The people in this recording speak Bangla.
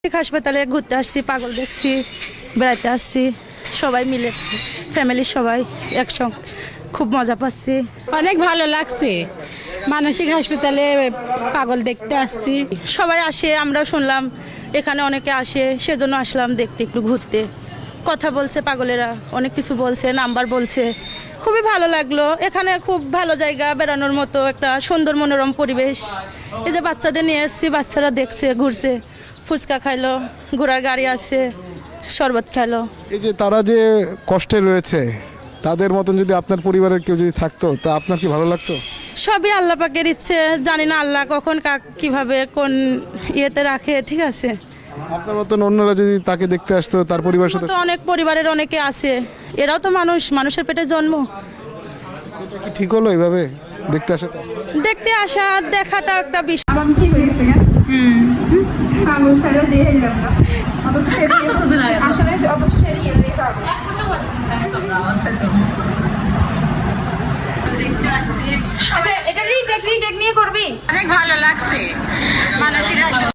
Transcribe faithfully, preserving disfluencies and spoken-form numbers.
হাসপাতালে ঘুরতে আসছি, পাগল দেখছি, বেড়াতে আসছি, সবাই মিলে ফ্যামিলির সবাই একসঙ্গে খুব মজা পাচ্ছি। অনেক ভালো লাগছে, মানসিক হাসপাতালে পাগল দেখতে আসছি। সবাই আসে, আমরাও শুনলাম এখানে অনেকে আসে, সেজন্য আসলাম দেখতে, একটু ঘুরতে। কথা বলছে পাগলেরা, অনেক কিছু বলছে, নাম্বার বলছে, খুবই ভালো লাগলো। এখানে খুব ভালো জায়গা, বেড়ানোর মতো একটা সুন্দর মনোরম পরিবেশ। এই যে বাচ্চাদের নিয়ে এসেছি, বাচ্চারা দেখছে, ঘুরছে, ফুচকা খাইলো, ঘোড়ার গাড়ি আছে, শরবত খাইলো। এই যে তারা যে কষ্টে রয়েছে, তাদের মতন যদি আপনার পরিবারের কেউ যদি থাকতো, তা আপনার কি ভালো লাগতো? সবই আল্লাহ পাকের ইচ্ছে, জানি না আল্লাহ কখন কাক কিভাবে কোন ইয়েতে রাখে, ঠিক আছে। আপনার মতন অন্যরা যদি তাকে দেখতে আসতো, তার পরিবারের সাথে, তো অনেক পরিবারের অনেকে আছে, এরাও তো মানুষ, মানুষের পেটে জন্ম। এটা কি ঠিক হলো এইভাবে দেখতে আসাটা? দেখতে আসা দেখাটা একটা বিষয়। আমার ঠিক হয়ে গেছে কেন? হুম পাগল সারা দিয়ে দিলাম না অথচ আসলে অথচ সেরে গিয়ে দেখতে হবে। আচ্ছা এটা রিটেক রিটেক নিয়ে করবি? অনেক ভালো লাগছে, মানসিক